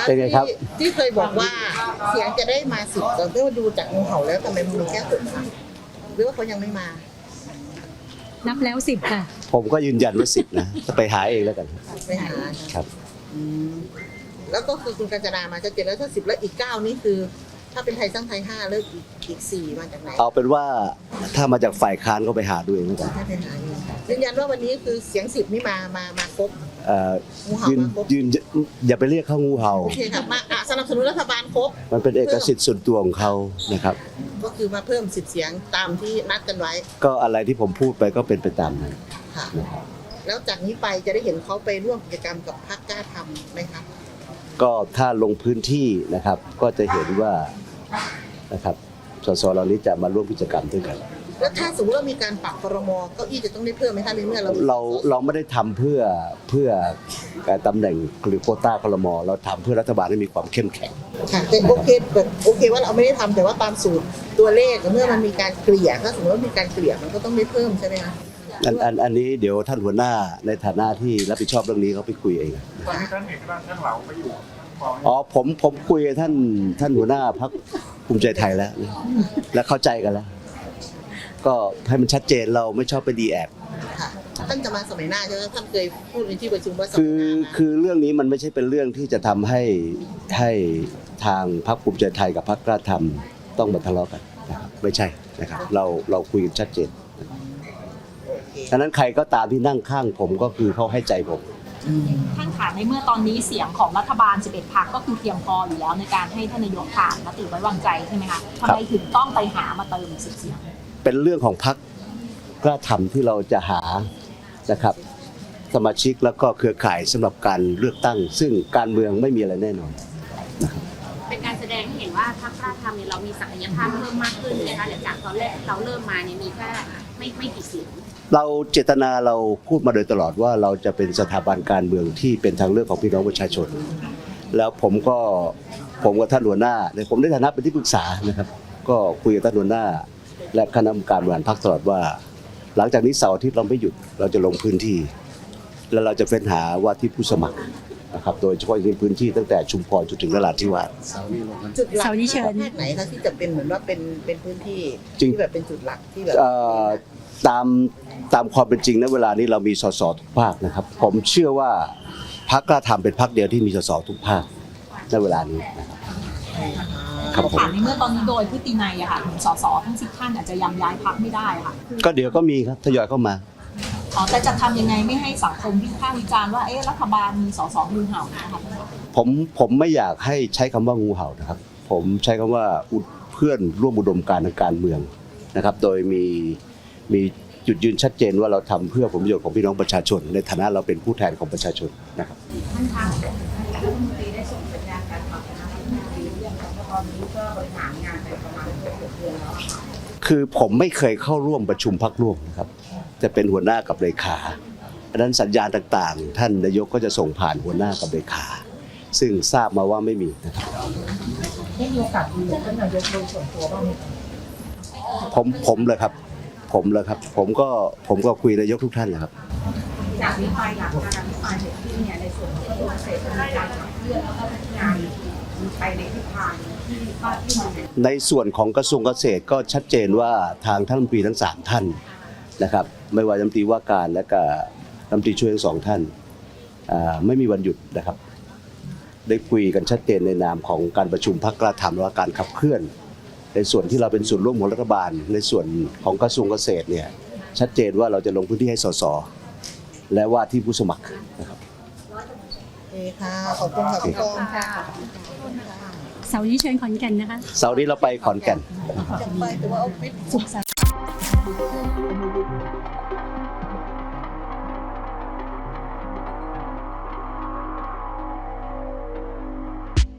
เป็นไงครับที่เคยบอกว่าเสียงจะได้มา10แต่ก็ดูจากงูเห่าแล้วทำไมมันมีแค่6คะหรือว่าเขายังไม่มานับแล้ว10ค่ะผมก็ยืนยันว่า10นะจะไปหาเองแล้วกันไปหาครับแล้วก็คือคุณกัญจนามาจะเจนแล้วถ้า10แล้วอีก9นี่คือถ้าเป็นไทยสร้างไทย5แล้วอีก4มาจากไหนเอาเป็นว่าถ้ามาจากฝ่ายค้านก็ไปหาดูเองแล้วกันยืนยันว่าวันนี้คือเสียง10นี่มาครบงูเห่ามาครบยืนอย่าไปเรียกเขางูเห่าโอเคครับมาสนับสนุนรัฐบาลครบมันเป็นเอกสิทธิ์ส่วนตัวของเขานะครับก็คือมาเพิ่ม10เสียงตามที่นัดกันไว้ก็อะไรที่ผมพูดไปก็เป็นไปตามนั้นค่ะแล้วจากนี้ไปจะได้เห็นเขาไปร่วมกิจกรรมกับพรรคกล้าทำไหมครับก็ถ้าลงพื้นที่นะครับก็จะเห็นว่านะครับสสเหล่านี้จะมาร่วมกิจกรรมด้วยกันแล้วถ้าสมมติว่ามีการปรับครม.เก้าอี้จะต้องได้เพิ่มไหมคะในเมื่อเราไม่ได้ทำเพื่อการตำแหน่งหรือโควต้าครม.เราทำเพื่อรัฐบาลให้มีความเข้มแข็งค่ะแต่โอเคว่าเราไม่ได้ทำแต่ว่าตามสูตรตัวเลขเมื่อมันมีการเกลี่ยถ้าสมมติว่ามีการเกลี่ยมันก็ต้องได้เพิ่มใช่ไหมคะอันนี้เดี๋ยวท่านหัวหน้าในฐานะที่รับผิดชอบเรื่องนี้เขาไปคุยเองตอนนี้ท่านเอกราชท่านเหลาไปอยู่อ๋อผมคุยกับท่านหัวหน้าพรรคภูมิใจไทยแล้วและเข้าใจกันแล้วก็ให้มันชัดเจนเราไม่ชอบไปดีแอบท่านจะมาสมัยหน้าใช่ไหมท่านเคยพูดในที่ประชุมว่าคือเรื่องนี้มันไม่ใช่เป็นเรื่องที่จะทำให้ทางพรรคภูมิใจไทยกับพรรคกล้าทำต้องมาทะเลาะกันนะครับไม่ใช่นะครับเราคุยกันชัดเจนฉะนั้นใครก็ตามที่นั่งข้างผมก็คือเขาให้ใจผมท่านขาในเมื่อตอนนี้เสียงของรัฐบาล11 พรรคก็คือเพียงพออยู่แล้วในการให้ท่านนายกผ่านมติไว้วางใจใช่ไหมคะทำไมถึงต้องไปหามาเติม10 เสียงเป็นเรื่องของพรรคกล้าทำที่เราจะหานะครับสมาชิกแล้วก็เครือข่ายสำหรับการเลือกตั้งซึ่งการเมืองไม่มีอะไรแน่นอนนะครับเป็นการแสดงให้เห็นว่าพรรคกล้าทำเนี่ยเรามีศักยภาพเพิ่มมากขึ้นนะคะหลังจากตอนแรกเราเริ่มมาเนี่ยมีแค่ไม่กี่เสียงเราเจตนาเราพูดมาโดยตลอดว่าเราจะเป็นสถาบันการเมืองที่เป็นทางเลือกของพี่น้องประชาชนแล้วผมกับท่านหัวหน้าในผมได้ฐานะเป็นที่ปรึกษานะครับก็คุยกับท่านหัวหน้าและคณะกรรมการบริหารพรรคตลอดว่าหลังจากนี้เสาร์อาทิตย์เราไม่หยุดเราจะลงพื้นที่แล้วเราจะเฟ้นหาว่าที่ผู้สมัครนะครับโดยเฉพาะในพื้นที่ตั้งแต่ชุมพรจนถึงนราธิวาสจุดหลักเชิญภาคไหนคะที่จะเป็นเหมือนว่าเป็นพื้นที่ที่แบบเป็นจุดหลักที่แบบตามความเป็นจริงณเวลานี้เรามีสสทุกภาคนะครับผมเชื่อว่าพรรคกล้าทำเป็นพรรคเดียวที่มีสสทุกภาคณเวลานี้ครับผมในเมื่อตอนนี้โดยพฤตินัยอะค่ะสสทั้ง10 ท่านอาจจะยังย้ายพรรคไม่ได้ค่ะก็เดี๋ยวก็มีครับทยอยเข้ามาแต่จะทำยังไงไม่ให้สังคมวิพากษ์วิจารณ์ว่ารัฐบาลมีสสงูเห่านะคะผมไม่อยากให้ใช้คำว่างูเห่านะครับผมใช้คำว่าเพื่อนร่วมอุดมการณ์ทางการเมืองนะครับโดยมีจุดยืนชัดเจนว่าเราทำเพื่อผลประโยชน์ของพี่น้องประชาชนในฐานะเราเป็นผู้แทนของประชาชนนะครับท่านคะรัฐมนตรีได้ส่งสัญญาณการปรับคณะรัฐมนตรีเรื่องของตอนนี้ก็บริหารงานไปประมาณ6 เดือนแล้วคือผมไม่เคยเข้าร่วมประชุมพรรคร่วมนะครับจะเป็นหัวหน้ากับเลขาดังนั้นสัญญาณต่างๆท่านนายกก็จะส่งผ่านหัวหน้ากับเลขาซึ่งทราบมาว่าไม่มีนะครับได้มีโอกาสคุยกับท่านนายกโดยส่วนตัวบ้างไหมผมเลยครับผมก็คุยนายกทุกท่านเลยครับจากนี้ไปหลังการอภิปรายเสร็จสิ้นเนี่ยในส่วนของกระทรวงเกษตรและการขับเคลื่อนแล้วก็พัฒนาไปในทิศทางที่ในส่วนของกระทรวงเกษตรก็ชัดเจนว่าทางท่านรัฐมนตรีทั้ง3ท่านนะครับไม่ว่ารัฐมนตรีว่าการและก็รัฐมนตรีช่วยทั้ง2ท่านไม่มีวันหยุดนะครับได้คุยกันชัดเจนในนามของการประชุมพรรคกล้าทำและการขับเคลื่อนในส่วนที่เราเป็นส่วนร่วมของรัฐบาลในส่วนของกระทรวงเกษตรเนี่ยชัดเจนว่าเราจะลงพื้นที่ให้สสและว่าที่ผู้สมัครนะครับค่ะขอบคุณค่ะพี่กองค่ะเสาร์นี้เชิญขอนแก่นนะคะเสาร์นี้เราไปขอนแก่นไปแต่ว่าเอาฟิตสุขสันต์